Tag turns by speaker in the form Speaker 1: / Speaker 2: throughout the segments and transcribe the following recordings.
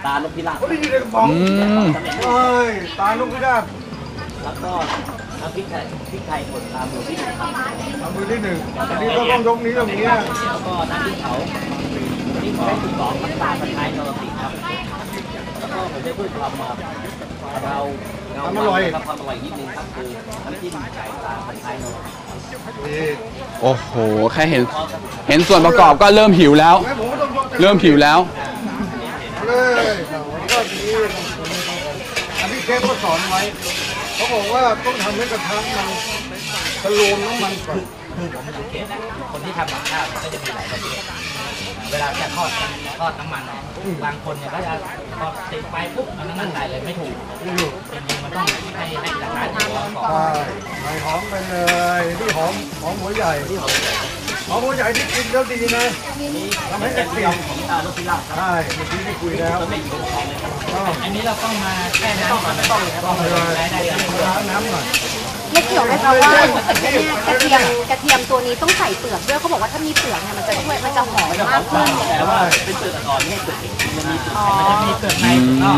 Speaker 1: ตาลูกพิราบ
Speaker 2: เขาได้ยินในกระป๋องเอ้ยตาลูกพิราบ
Speaker 1: แล้วก็น้ำพริกไทยป่นตามือที่หนึ่งครับ
Speaker 2: มือที่หนึ่งอันนี้ก็ต้องยกนี้ตรงนี้
Speaker 1: แล้วก็น้ำพริกเขาที่ของที่สองน้ำตาลไทยนรสิงห์ครับแล้วก็ผมได้พูดคำครับเรา
Speaker 2: ทำอร่อย
Speaker 1: ครับทำอร่อยนิดนึงครับคือน้ำจิ้มไก่ตาไทยนรสิงห์
Speaker 3: โอ้โหแค่เห็นส่วนประกอบก็เริ่มหิวแล้ว เริ่มหิวแล้ว
Speaker 2: เลยก็ดีอันนี้เชฟก็สอนไว้เขาบอกว่าต้องทำให้กระทะมันตะโลมน้ำมันก่อน
Speaker 1: คือผมสังเกตนะคนที่ทำกับข้าวก็จะมีหลายประเภทเวลาจะทอดน้ำมันบางคนเนี่ยก็จะพอติดไฟปุ๊บเอาน้ำมันใส่เลยไม่ถูกจริงๆมันต้องให้กระทะร้อนก่อน
Speaker 2: ใส่หอมไปเลยนี่หอมหัวใหญ่
Speaker 1: ที่หอม
Speaker 2: หัวใหญ่ที่กินแล้วดีนะทำให้กระเทียม
Speaker 1: ของตาลูกพิราบ
Speaker 2: ใช่เมื่อกี้ที่คุยแล้ว
Speaker 1: อันนี้เราต้องมาแค่น้ำก่อนต้อง
Speaker 2: เลยล้างน้ำหน่อย
Speaker 4: ไม่เกี่ยวไหมคะว่ากระเทียมตัวนี้ต้องใส่เปลือกด้วยเขาบอกว่าถ้ามีเปลือกเนี่ยมันจะช่วยมันจะหอมมากขึ้น
Speaker 1: แต่ว่าเป็นเปลือกอ่อนไม่เปลือกมันมีเปลือกใน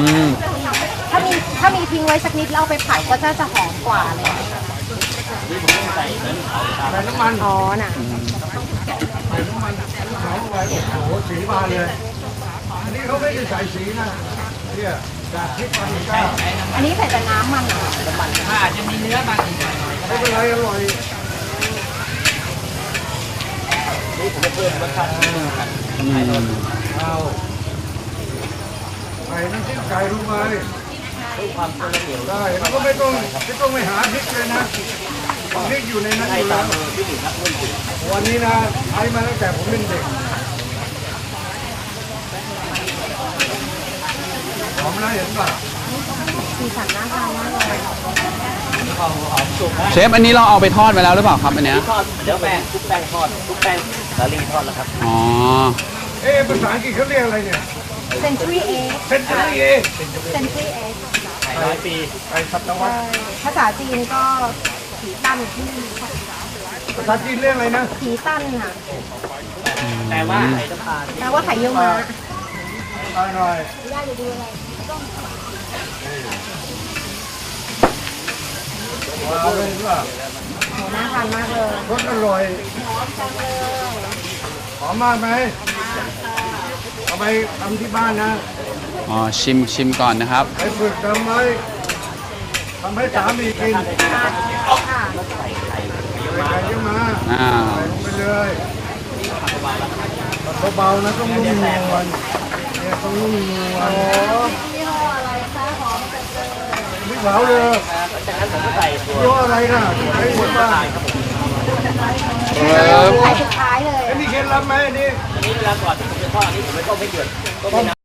Speaker 4: ถ้ามีทิ้งไว้สักนิดแล้วเอาไปผัดก็จะหอมกว่าเลย
Speaker 1: นี่ผมต้องใส่
Speaker 2: น้ำมัน
Speaker 4: อ๋อน่ะ
Speaker 2: ใส่น้ำมันหอมไว้โอ้โหสีมาเลยอันนี้เขาไม่ได้ใส่สีนะเนี่ยจากพริกปาปริก้า
Speaker 4: อันนี้ใส่แต่น้ำมัน
Speaker 1: อาจจะมีเนื้อบางที
Speaker 2: ไม่เป็นไรอร่อย
Speaker 1: นี่ผมจะเพิ่มรสชาติ
Speaker 2: เอาใส่น้ำจิ้มไก่ลงไป
Speaker 1: ความเปรี้ยว
Speaker 2: ได้แล้วก็ไม่ต้องไปหาพริกเลยนะพริกอยู่ในนั้นอยู่แล้ววันนี้นะใช้มาตั้งแต่ผมเป็นเด็กหอมนะเห็นป่ะ
Speaker 4: สีสันน่าทานมากเลย
Speaker 3: เชฟอันนี้เราเอาไปทอดไปแล้วหรือเปล่าครับอันเนี้ย
Speaker 1: ทอดเดี๋ยวทุกแป้งทอดทุกแป้งสาลีทอดแล้วครับ
Speaker 3: อ๋อ
Speaker 2: ภาษาอังกฤษเขาเรียกอะไรเนี่ย
Speaker 4: Century Egg
Speaker 2: Century
Speaker 4: Egg Century Egg
Speaker 1: ไก่100 ปี
Speaker 2: ไก่ศตวรรษ
Speaker 4: ภาษาจีนก็ผีตั้นที่
Speaker 2: ภาษาจีนเรียกอะไรนะ
Speaker 4: ผีตั้นค่ะ
Speaker 1: แปลว่าไข่น้ำตาล
Speaker 4: แปลว่าไข่เยี่ยวม้า
Speaker 2: อร่อย
Speaker 4: ได้จะดูอะไร
Speaker 2: ว้าวเลยว่า
Speaker 4: โหน่าทานมากเลย
Speaker 2: รสอร่อยหอมมากไหมเอาไปทำที่บ้านนะ
Speaker 3: อ๋อชิมก่อนนะครับ
Speaker 2: ไปฝึกทำไว้ทำให้สามีกินใส่ไก่เยอะมาใส่ลงไปเลยเบาๆนะต้องนุ่มนวลเนี่ยต้องนุ่มนวล
Speaker 4: ยี่ห้ออะไรคะหอมจังเลย
Speaker 2: ไม่เผาเลย
Speaker 1: จากนั้นผมก็ใส่
Speaker 2: ยี่ห้ออะไรนะไอ้หมดบ้าน
Speaker 4: ไข่สุดท้ายเลย
Speaker 2: อันนี้เคล็ดลับไหมอันนี้
Speaker 1: เวลาก่อนที่ผมจะทอดอันนี้ผมไม่ต้มให้เดือด